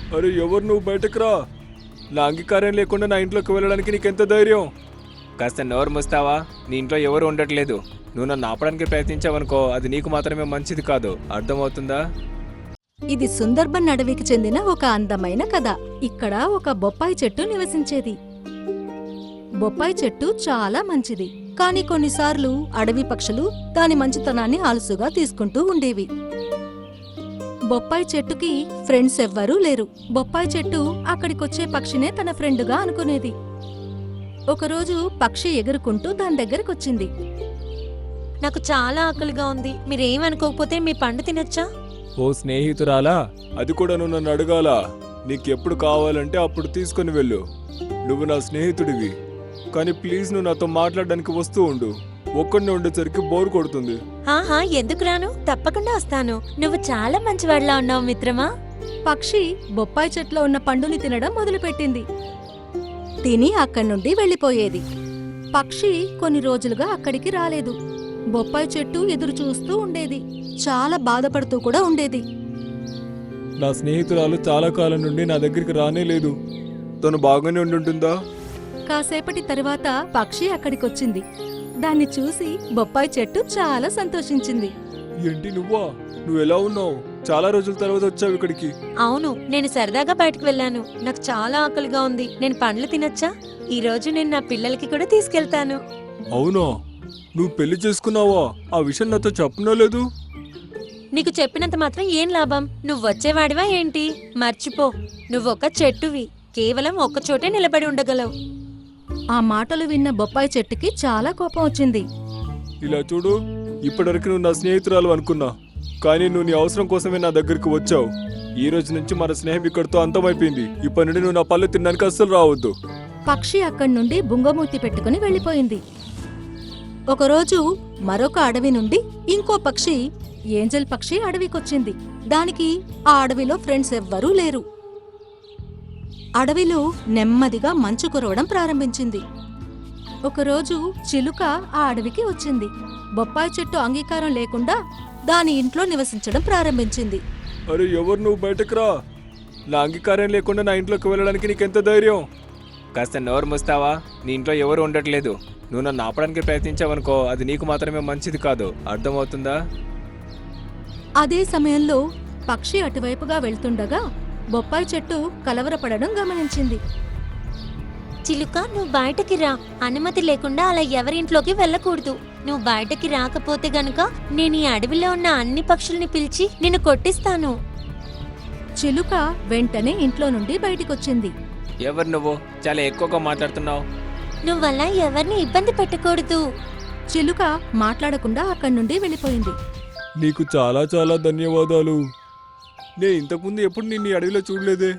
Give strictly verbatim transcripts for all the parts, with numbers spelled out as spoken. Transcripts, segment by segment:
అరే ఎవరు నువ్వు బయటకు రా. నా అంగీకారం లేకుండా నా ఇంట్లోకి వెళ్ళడానికి నీకెంత ధైర్యం? కాస్త నోరు మూస్తావా? నీ ఇంట్లో ఎవరు ఉండట్లేదు. నువ్వు నన్ను ఆపడానికి ప్రయత్నించావనుకో, అది నీకు మాత్రమే మంచిది కాదు. అర్థమవుతుందా? ఇది సుందర్బన్ అడవికి చెందిన ఒక అందమైన కథ. ఇక్కడ ఒక బొప్పాయి చెట్టు నివసించేది. బొప్పాయి చెట్టు చాలా మంచిది, కాని కొన్నిసార్లు అడవి పక్షులు దాని మంచితనాన్ని ఆలసుగా తీసుకుంటూ ఉండేవి. బొప్పాయి చెట్టుకి ఫ్రెండ్స్ ఎవ్వరూ లేరు. బొప్పాయి చెట్టు అక్కడికొచ్చే పక్షినే తన ఫ్రెండుగా అనుకునేది. ఒకరోజు పక్షి ఎగురుకుంటూ దాని దగ్గరకొచ్చింది. నాకు చాలా ఆకలిగా ఉంది, మీరేమనుకోకపోతే మీ పండు తినొచ్చా? ఓ స్నేహితురాలా, అది కూడా నువ్వు నన్ను అడగాలా? నీకెప్పుడు కావాలంటే అప్పుడు తీసుకుని వెళ్ళు. నువ్వు నా స్నేహితుడివి, కానీ ప్లీజ్ నువ్వు నాతో మాట్లాడడానికి వస్తూ ఉండు. ఒక్కడిని ఉండేసరికి బోర్ కొడుతుంది. ఆహా, ఎందుకు రాను? తప్పకుండా వస్తాను. నువ్వు చాలా మంచివాడిలా ఉన్నావు మిత్రమా. పక్షి బొప్పాయి చెట్లో ఉన్న పండుని తినడం మొదలుపెట్టింది. తిని అక్కడి నుండి వెళ్ళిపోయేది. పక్షి కొన్ని రోజులుగా అక్కడికి రాలేదు. బొప్పాయి చెట్టు ఎదురు చూస్తూ ఉండేది. చాలా బాధపడుతూ కూడా ఉండేది. నా స్నేహితురాలు చాలా కాలం నుండి నా దగ్గరికి రానే లేదు. తను బాగానే ఉండుంటుందా? కాసేపటి తరువాత పక్షి అక్కడికొచ్చింది. దాన్ని చూసి బొప్పాయి చెట్టు చాలా సంతోషించింది. ఏంటి నువ్వా? నువ్వు ఎలా ఉన్నావు? చాలా రోజుల తర్వాత వచ్చావు ఇక్కడికి. అవును, నేను సరదాగా బయటకు వెళ్ళాను. నాకు చాలా ఆకలిగా ఉంది. నేను పండ్లు తినొచ్చా? ఈ రోజు నేను నా పిల్లలకి కూడా తీసుకెళ్తాను. అవునా? నువ్వు పెళ్లి చేసుకున్నావా? ఆ విషయం నాతో చెప్పనో లేదు. నీకు చెప్పినంత మాత్రం ఏం లాభం? నువ్వు వచ్చేవాడివా ఏంటి? మర్చిపో, నువ్వొక చెట్టువి. కేవలం ఒక్కచోటే నిలబడి ఉండగలవు. ఆ మాటలు విన్న బొప్పాయి చెట్టుకి చాలా కోపం వచ్చింది. ఇలా చూడు, ఇప్పటివరకు నువ్వు నా స్నేహితురాలు అనుకున్నా, కానీ నువ్వు నీ అవసరం కోసమే నా దగ్గరికి వచ్చావు. ఈ రోజు నుంచి మన స్నేహం ఇక్కడితో అంతమైపోయింది. ఇప్పటి నుండి నువ్వు నా పళ్ళు తినడానికి అస్సలు రావద్దు. పక్షి అక్కడి నుండి బుంగమూతి పెట్టుకుని వెళ్ళిపోయింది. ఒకరోజు మరొక అడవి నుండి ఇంకో పక్షి, ఏంజెల్ పక్షి అడవికొచ్చింది. దానికి ఆ అడవిలో ఫ్రెండ్స్ ఎవ్వరూ లేరు. అడవిలో నెమ్మదిగా మంచు కురవడం ప్రారంభించింది. ఒకరోజు చిలుక ఆ అడవికి వచ్చింది. బొప్పాయి చెట్టు అంగీకారం లేకుండా దాని ఇంట్లో నివసించడం ప్రారంభించింది. అరే ఎవరు నువ్వు బయటకు రా. నా అంగీకారం లేకుండా నా ఇంట్లోకి వెళ్ళడానికి నీకెంత ధైర్యం? కాస్త నోరు మూస్తావా? నీ ఇంట్లో ఎవరు ఉండట్లేదు. నువ్వు నన్ను ఆపడానికి ప్రయత్నించావనుకో, అది నీకు మాత్రమే మంచిది కాదు. అర్థమవుతుందా? అదే సమయంలో పక్షి అటువైపుగా వెళ్తుండగా బొప్పాయి చెట్టు కలవరపడడం గమనించింది. చిలుక, నువ్వు బయటకి రా. అనుమతి లేకుండా అలా ఎవరింట్లోకి వెళ్ళకూడదు. నువ్వు బయటకి రాకపోతే గనుక నేను ఈ అడవిలో ఉన్న అన్ని పక్షుల్ని పిలిచి నిన్ను కొట్టిస్తాను. చిలుక వెంటనే ఇంట్లో నుండి బయటికొచ్చింది. ఎవరు నువ్వు? చాలా ఎక్కువగా మాట్లాడుతున్నావు. నువ్వలా ఎవరిని ఇబ్బంది పెట్టకూడదు. చిలుక మాట్లాడకుండా అక్కడి నుండి వెళ్ళిపోయింది. నీకు చాలా చాలా ధన్యవాదాలు. నేను ఇంతకుముందు ఎప్పుడు నిన్ను ఈ అడవిలో చూడలేదే.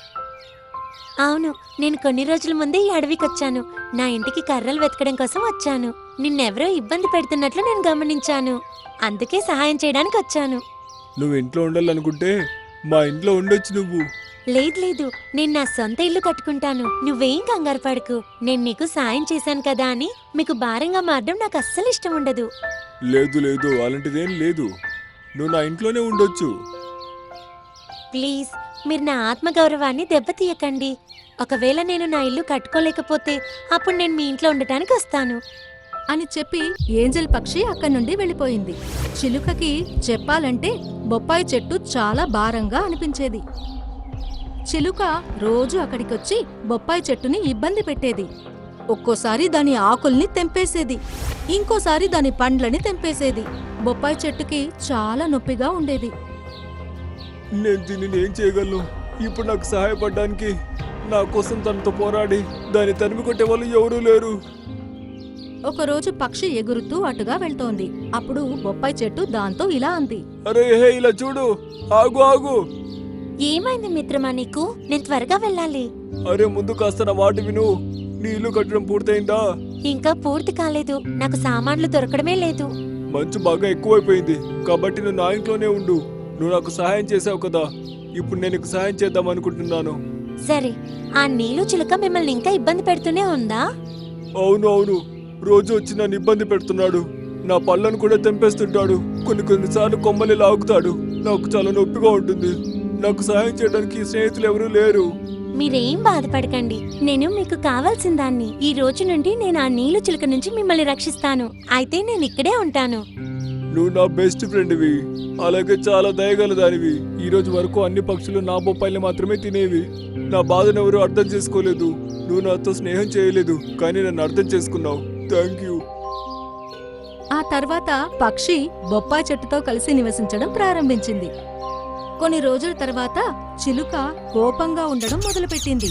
అవును, నేను కొన్ని రోజుల ముందే ఈ అడవికి వచ్చాను. నా ఇంటికి కర్రలు వెతకడం కోసం వచ్చాను. నిన్నెవరో ఇబ్బంది పెడుతున్నట్లు నేను గమనించాను. అందుకే సహాయం చేయడానికి వచ్చాను. నువ్వు ఇంట్లో ఉండాలనుకుంటే మా ఇంట్లో ఉండొచ్చు. నువ్వు లేదు లేదు, నేను నా సొంత ఇల్లు కట్టుకుంటాను. నువ్వేం కంగారు పడకు. నేను నీకు సాయం చేశాను కదా అని మీకు భారంగా మారడం నాకు అస్సలు ఇష్టం ఉండదు. లేదు లేదు, అలాంటిదేం లేదు. నువ్వు నా ఇంట్లోనే ఉండొచ్చు. ప్లీజ్, మీరు నా ఆత్మగౌరవాన్ని దెబ్బతీయకండి. ఒకవేళ నేను నా ఇల్లు కట్టుకోలేకపోతే అప్పుడు నేను మీ ఇంట్లో ఉండటానికి వస్తాను అని చెప్పి ఏంజెల్ పక్షి అక్కడి నుండి వెళ్ళిపోయింది. చిలుకకి చెప్పాలంటే బొప్పాయి చెట్టు చాలా భారంగా అనిపించేది. చిలుక రోజు అక్కడికొచ్చి బొప్పాయి చెట్టుని ఇబ్బంది పెట్టేది. ఒక్కోసారి దాని ఆకుల్ని తెంపేసేది, ఇంకోసారి దాని పండ్లని తెంపేసేది. బొప్పాయి చెట్టుకి చాలా నొప్పిగా ఉండేది. నేను దీనిని ఏం చేయగలను? ఇప్పుడు నాకు సహాయపడడానికి, నా కోసం తనతో పోరాడి దాన్ని తరిమి కొట్టే వాళ్ళు ఎవరూ లేరు. ఒకరోజు పక్షి ఎగురుతూ అటుగా వెళ్తోంది. అప్పుడు బొప్పాయి చెట్టు దాంతో ఇలా అంది. అరే హే, ఇలా చూడు, ఆగు ఆగు. ఏమైంది మిత్రమా నీకు? నేను త్వరగా వెళ్ళాలి. అరే ముందు కాస్త నా మాట విను. నీ ఇల్లు కట్టడం పూర్తయిందా? ఇంకా పూర్తి కాలేదు. నాకు సామాన్లు దొరకడమే లేదు. మంచు బాగా ఎక్కువైపోయింది, కాబట్టి నువ్వు నా ఇంట్లోనే ఉండు. నువ్వు నాకు సహాయం చేసావు కదా, ఇప్పుడు నేను నీకు సహాయం చేద్దాం అనుకుంటున్నాను. సరే, ఆ నీలు చిలుక మిమ్మల్ని ఇంకా ఇబ్బంది పెడుతూనే ఉందా? అవును అవును, రోజు వచ్చి నన్ను ఇబ్బంది పెడుతున్నాడు. నా పళ్ళను కూడా తెంపేస్తుంటాడు. కొన్ని కొన్నిసార్లు కొమ్మలి లాగుతాడు. నాకు చాలా నొప్పిగా ఉంటుంది. నాకు సహాయం చేయడానికి స్నేహితులు ఎవరూ లేరు. మీరేం బాధపడకండి, నేను మీకు కావాల్సిన దాన్ని. ఈ రోజు నుండి నేను ఆ నీళ్లు చిలుక నుంచి మిమ్మల్ని రక్షిస్తాను. అయితే నేను ఇక్కడే ఉంటాను. నువ్వు నా బెస్ట్ ఫ్రెండ్వి, అలాగే చాలా దయగల దానివి. ఈ రోజు వరకు అన్ని పక్షులు నా బొప్పాయిని మాత్రమే తినేవి. నా బాధను ఎవరు అర్థం చేసుకోలేదు. నువ్వు నాతో స్నేహం చేయలేదు, కానీ నన్ను అర్థం చేసుకున్నావు. Thank you. ఆ తర్వాత పక్షి బొప్పాయి చెట్టుతో కలిసి నివసించడం ప్రారంభించింది. కొన్ని రోజుల తర్వాత చిలుక కోపంగా ఉండడం మొదలుపెట్టింది.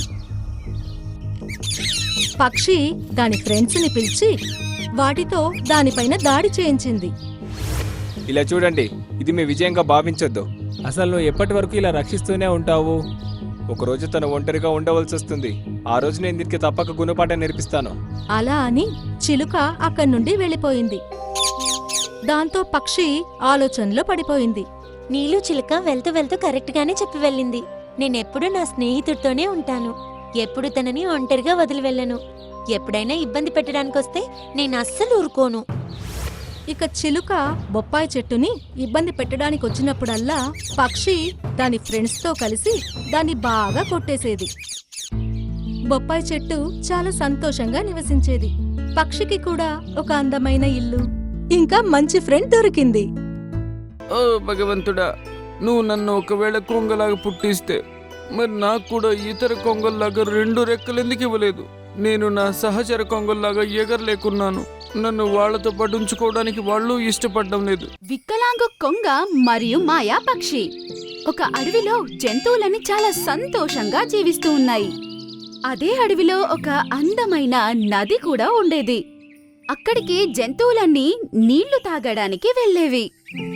పక్షి దాని ఫ్రెండ్స్ ని పిలిచి వాటితో దానిపైన దాడి చేయించింది. ఇలా చూడండి, ఇది మీ విజయంగా భావించొద్దు. అసలు నువ్వు ఎప్పటి వరకు ఇలా రక్షిస్తూనే ఉంటావు? ఒకరోజు తను ఒంటరిగా ఉండవలసి వస్తుంది. ఆ రోజు నేను దీనికి తప్పక గుణపాఠం నేర్పిస్తాను. అలా అని చిలుక అక్కడి నుండి వెళ్ళిపోయింది. దాంతో పక్షి ఆలోచనలో పడిపోయింది. నీళ్లు చిలుక వెళ్తూ వెళ్తూ కరెక్ట్ గానే చెప్పి వెళ్ళింది. నేనెప్పుడు నా స్నేహితుడితోనే ఉంటాను. ఎప్పుడు తనని ఒంటరిగా వదిలి వెళ్ళను. ఎప్పుడైనా ఇబ్బంది పెట్టడానికి వస్తే నేను అస్సలు ఊరుకోను. ఇక చిలుక బొప్పాయి చెట్టుని ఇబ్బంది పెట్టడానికి వచ్చినప్పుడల్లా పక్షి దాని ఫ్రెండ్స్ తో కలిసి దాన్ని బాగా కొట్టేసేది. బొప్పాయి చెట్టు చాలా సంతోషంగా నివసించేది. పక్షికి కూడా ఒక అందమైన ఇల్లు, ఇంకా మంచి ఫ్రెండ్ దొరికింది. ఓ భగవంతుడా, నువ్వు నన్ను ఒకవేళ కొంగలాగా పుట్టిస్తే మరి నాకు కూడా ఇతర కొంగల్లాగా రెండు రెక్కలు ఎందుకు ఇవ్వలేదు? నేను నా సహచర కొంగల్లాగా ఎగరలేకున్నాను. నన్ను వాళ్లతో పాటు ఉంచుకోవడానికి వాళ్ళు ఇష్టపడడం లేదు. వికలాంగు కొంగ మరియు మాయా పక్షి ఒక అడవిలో జంతువులని చాలా సంతోషంగా జీవిస్తూ ఉన్నాయి. అదే అడవిలో ఒక అందమైన నది కూడా ఉండేది. అక్కడికి జంతువులన్నీ నీళ్లు తాగడానికి వెళ్ళేవి.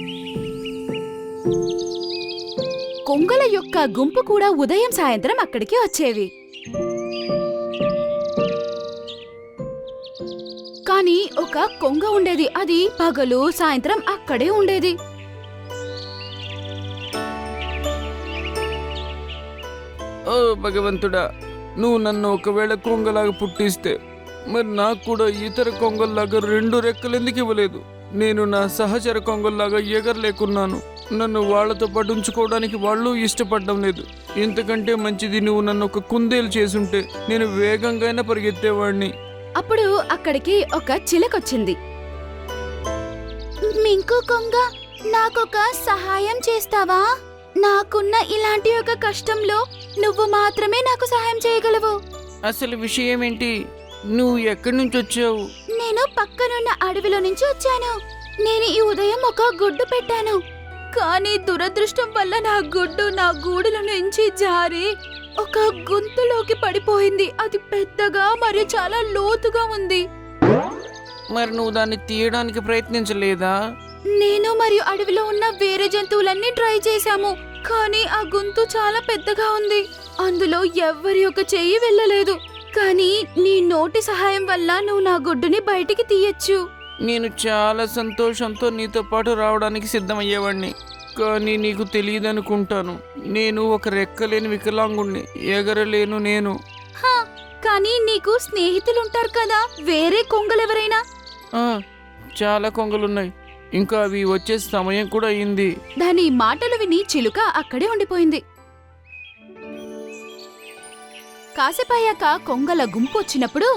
కొంగల యొక్క గుంపు కూడా ఉదయం సాయంత్రం అక్కడికి వచ్చేవి. కానీ ఒక కొంగ ఉండేది, అది పగలు సాయంత్రం అక్కడే ఉండేది. ఓ భగవంతుడా, నువ్వు నన్ను ఒకవేళ కొంగలాగా పుట్టిస్తే మరి నాకు కూడా ఇతర కొంగల్లాగా రెండు రెక్కలు ఎందుకు ఇవ్వలేదు? నేను నా సహచర కొంగల్లాగా ఎగరలేకున్నాను. నన్ను వాళ్లతో పాటు ఉంచుకోవడానికి వాళ్ళు ఇష్టపడడం లేదు. ఇంతకంటే మంచిది నువ్వు నన్ను ఒక కుందేలు చేసుంటే నేను వేగంగానే పరిగెత్తేవాడిని. అప్పుడు అక్కడికి ఒక చిలకొచ్చింది. మింకు కొంగ, నాకొక సహాయం చేస్తావా? నాకున్న ఇలాంటి ఒక కష్టంలో నువ్వు మాత్రమే నాకు సహాయం చేయగలవు. అసలు విషయం ఏంటి? నువ్వు ఎక్కడి నుంచి వచ్చావు? నేను పక్కనున్న అడవిలో నుంచి వచ్చాను. నేను ఈ ఉదయం ఒక గుడ్డు పెట్టాను, కానీ దురదృష్టం వల్ల నా గుడ్డు నా గూడుల నుంచి జారి ఒక గుంతలోకి పడిపోయింది. అది పెద్దగా మరియు చాలా లోతుగా ఉంది. మరి నువ్వు దాన్ని తీయడానికి ప్రయత్నించలేదా? నేను మరియు అడవిలో ఉన్న వేరే జంతువులన్నీ ట్రై చేశాము, కానీ ఆ గుంతు చాలా పెద్దగా ఉంది. అందులో ఎవ్వరి యొక్క చెయ్యి వెళ్ళలేదు. కానీ నీ నోటి సహాయం వల్ల నువ్వు నా గుడ్డుని బయటికి తీయచ్చు. నేను చాలా సంతోషంతో నీతో పాటు రావడానికి సిద్ధమయ్యేవాడిని. కానీ నీకు తెలియదనుకుంటాను, నేను ఒక రెక్కలేని వికలాంగుణ్ణి, ఎగరలేను నేను. హా, కానీ నీకు స్నేహితులుంటారు కదా, వేరే కొంగలెవరైనా? ఆ, చాలా కొంగలున్నాయి. ఇంకా అవి వచ్చే సమయం కూడా అయింది. దాని మాటలు విని చిలుక అక్కడే ఉండిపోయింది. కాసేపయ్యాక కొంగల గుంపు వచ్చినప్పుడు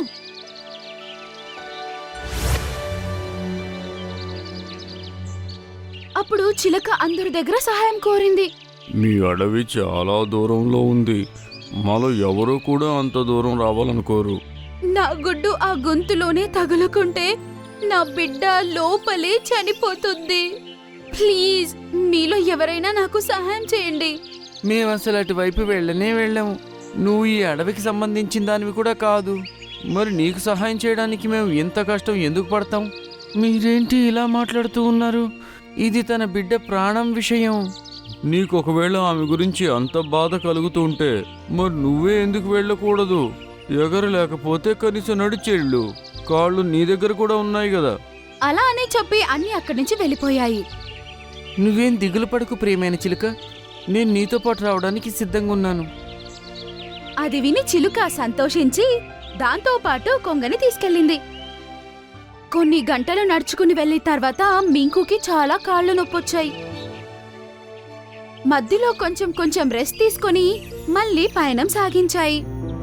అప్పుడు చిలక అందరి దగ్గర సహాయం కోరింది. మీ అడవి చాలా దూరంలో ఉంది. మాలో ఎవరూ కూడా అంత దూరం రావాలనుకోరు. నా గుడ్డు ఆ గొంతులోనే తగులుకుంటే నా బిడ్డ లోపలే చనిపోతుంది. ప్లీజ్, మీలో ఎవరైనా నాకు సహాయం చేయండి. మేము అసలు అటువైపు వెళ్ళనే వెళ్ళాము. నువ్వు ఈ అడవికి సంబంధించిన దానివి కూడా కాదు. మరి నీకు సహాయం చేయడానికి మేము ఎంత కష్టం ఎందుకు పడతాం? మీరేంటి ఇలా మాట్లాడుతూ ఉన్నారు? ఇది తన బిడ్డ ప్రాణం విషయం. నీకు ఒకవేళ ఆమె గురించి అంత బాధ కలుగుతూ ఉంటే మరి నువ్వే ఎందుకు వెళ్ళకూడదు? ఎగరలేకపోతే కనీసం నడిచేళ్ళు. కాళ్ళు నీ దగ్గర కూడా ఉన్నాయి కదా. అలా అని చెప్పి అన్ని అక్కడి నుంచి వెళ్ళిపోయాయి. నువ్వేం దిగులు పడకు ప్రియమైన చిలుక, నేను నీతో పాటు రావడానికి సిద్ధంగా ఉన్నాను. అది విని చిలుక సంతోషించి దాంతో పాటు కొంగని తీసుకెళ్ళింది. కొన్ని గంటలు నడుచుకుని వెళ్ళిన తర్వాత మింకుకి చాలా కాళ్ళు నొప్పొచ్చాయి. మధ్యలో కొంచెం కొంచెం రెస్ట్ తీసుకొని మళ్ళీ పయనం సాగించాయి.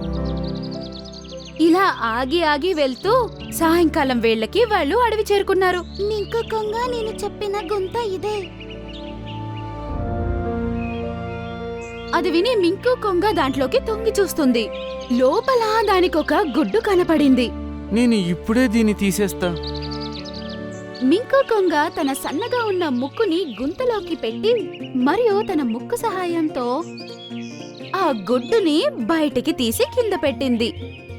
ఇలా ఆగి ఆగి వెళ్తూ సాయంకాలం వేళ్ళకి వాళ్ళు అడవి చేరుకున్నారు. మింకు కొంగ నేను చెప్పిన గుంత ఇదే. అది విని మింకు కొంగ దాంట్లోకి తొంగి చూస్తుంది. లోపల దానికొక గుడ్డు కనపడింది. నేను ఇప్పుడే దీన్ని తీసేస్తా. మింకు కొంగ తన సన్నగా ఉన్న ముక్కుని గుంతలోకి పెట్టి మరియు తన ముక్కు సహాయంతో ఆ గుడ్డుని బయటికి తీసి కింద పెట్టింది.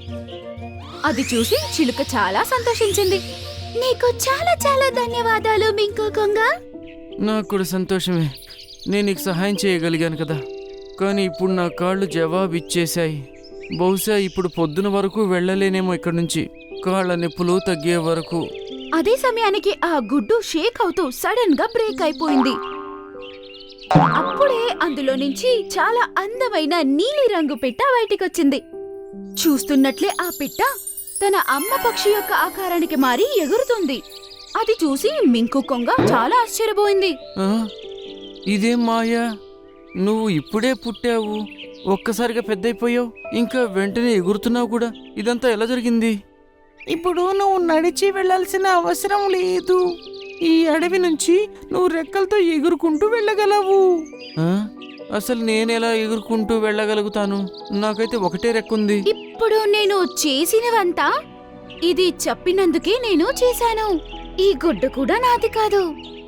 అది చూసి చిలుక చాలా సంతోషించింది. నీకు చాలా చాలా ధన్యవాదాలు మింకు కొంగ. నాకు కూడా సంతోషమే. నేను నీకు సహాయం చేయగలిగాను కదా. కానీ ఇప్పుడు నా కాళ్ళు జవాబు ఇచ్చేశాయి. బహుశా ఇప్పుడు పొద్దున వరకు వెళ్ళలేనేమో ఇక్కడి నుంచి, కాళ్ళ నొప్పులు తగ్గే వరకు. అదే సమయానికి ఆ గుడ్డు షేక్ అవుతూ సడన్ గా బ్రేక్ అయిపోయింది. అప్పుడే అందులో నుంచి చాలా అందమైన నీలిరంగు పిట్ట బయటికొచ్చింది. చూస్తున్నట్లే ఆ పిట్ట తన అమ్మ పక్షి యొక్క ఆకారానికి మారి ఎగురుతుంది. అది చూసి మింకు కొంగ చాలా ఆశ్చర్యపోయింది. ఆ? ఇదేం మాయా, నువ్వు ఇప్పుడే పుట్టావు, ఒక్కసారిగా పెద్దయిపోయావు, ఇంకా వెంటనే ఎగురుతున్నావు కూడా. ఇదంతా ఎలా జరిగింది? ఇప్పుడు నువ్వు నడిచి వెళ్ళాల్సిన అవసరం లేదు. ఈ అడవి నుంచి నువ్వు రెక్కలతో ఎగురుకుంటూ వెళ్ళగలవు. ఆ? అసలు నేనెలా ఎగురుకుంటూ వెళ్ళగలుగుతాను? నాకైతే ఒకటే రెక్కుంది. ఇప్పుడు నేను చేసినవంతా ఇది చెప్పినందుకే నేను చేశాను. ఈ గుడ్డు కూడా నాది కాదు.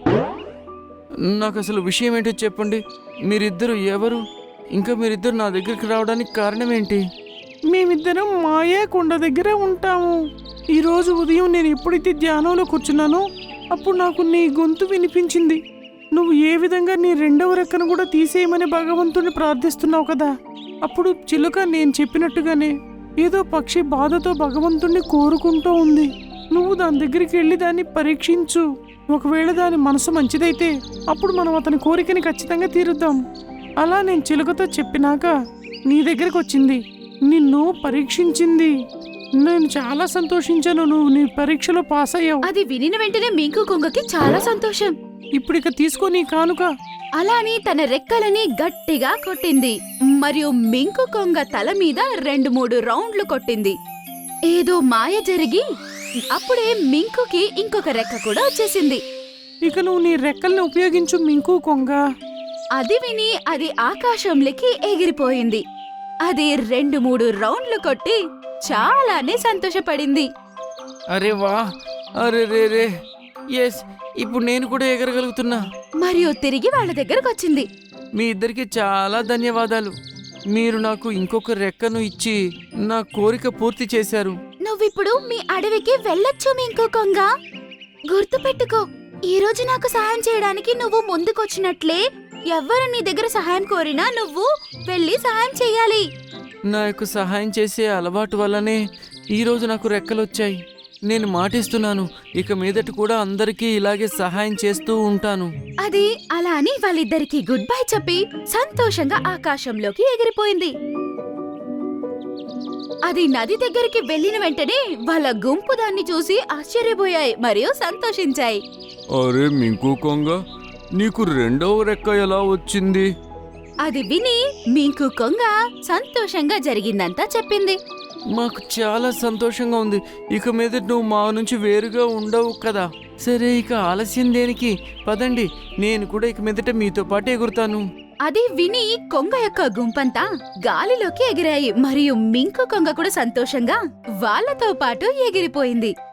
నాకు అసలు విషయం ఏంటో చెప్పండి. మీరిద్దరు ఎవరు? ఇంకా మీరిద్దరు నా దగ్గరికి రావడానికి కారణం ఏంటి? మేమిద్దరం మాయా కొండ దగ్గర ఉంటాము. ఈరోజు ఉదయం నేను ఎప్పుడైతే ధ్యానంలో కూర్చున్నానో అప్పుడు నాకు నీ గొంతు వినిపించింది. నువ్వు ఏ విధంగా నీ రెండవ రెక్కను కూడా తీసేయమని భగవంతుని ప్రార్థిస్తున్నావు కదా. అప్పుడు చిలుక నేను చెప్పినట్టుగానే ఏదో పక్షి బాధతో భగవంతుణ్ణి కోరుకుంటూ ఉంది. నువ్వు దాని దగ్గరికి వెళ్ళి దాన్ని పరీక్షించు. ఒకవేళ దాని మనసు మంచిదైతే అప్పుడు మనం అతని కోరికని ఖచ్చితంగా తీరుద్దాం. అలా నేను చిలుకతో చెప్పినాక నీ దగ్గరికి వచ్చింది, నిన్ను పరీక్షించింది. నేను చాలా సంతోషించాను. నువ్వు నీ పరీక్షలో పాస్ అయ్యావు. అది వినిన వెంటనే మింకు కొంగకి చాలా సంతోషం. ఇప్పుడిక తీసుకో నీ కానుక. అలాని తన రెక్కలని గట్టిగా కొట్టింది మరియు మింకు కొంగ తల మీద రెండు మూడు రౌండ్లు కొట్టింది. ఏదో మాయ జరిగి అప్పుడే మింకుకి ఇంకొక రెక్క కూడా వచ్చేసింది. ఇక నువ్వు నీ రెక్కల్ని ఉపయోగించు మింకు కొంగ. అది విని అది ఆకాశంలోకి ఎగిరిపోయింది. అది రెండు మూడు రౌండ్లు కొట్టి చాలానే సంతోషపడింది. అరే వా, అరే రే రే, ఎస్, ఇప్పుడు నేను కూడా ఎగరగలుగుతున్నా. మరియు తిరిగి వాళ్ళ దగ్గరకు వచ్చింది. మీ ఇద్దరికి చాలా ధన్యవాదాలు. మీరు నాకు ఇంకొక రెక్కను ఇచ్చి నా కోరిక పూర్తి చేశారు. నువ్విప్పుడు మీ అడవికి వెళ్ళొచ్చు మింకు కొంగ. గుర్తుపెట్టుకో, ఈ రోజు నాకు సహాయం చేయడానికి నువ్వు ముందుకొచ్చినట్లే ఎవ్వరు నీ దగ్గర సహాయం కోరినా నువ్వు వెళ్ళి సహాయం చెయ్యాలి. నా యొక్క సహాయం చేసే అలవాటు వల్లనే ఈరోజు నాకు రెక్కలు వచ్చాయి. నేను మాటిస్తున్నాను, ఇక మీదట కూడా అందరికీ ఇలాగే సహాయం చేస్తూ ఉంటాను. అది అలా అని వాళ్ళిద్దరికి గుడ్ బై చెప్పి సంతోషంగా ఆకాశంలోకి ఎగిరిపోయింది. అది నది దగ్గరికి వెళ్ళిన వెంటనే వాళ్ళ గుంపు దాన్ని చూసి ఆశ్చర్యపోయాయి మరియు సంతోషించాయి. అరే మింకు కొంగ, నీకు రెండవ రెక్క ఎలా వచ్చింది? అది విని మింకు కొంగ సంతోషంగా జరిగిందంతా చెప్పింది. మాకు చాలా సంతోషంగా ఉంది. ఇక మీద నువ్వు మా నుంచి వేరుగా ఉండవు కదా. సరే, ఇక ఆలస్యం దేనికి? పదండి, నేను కూడా ఇక మీదట మీతో పాటు ఎగురుతాను. అది విని కొంగ యొక్క గుంపంతా గాలిలోకి ఎగిరాయి మరియు మింకు కొంగ కూడా సంతోషంగా వాళ్ళతో పాటు ఎగిరిపోయింది.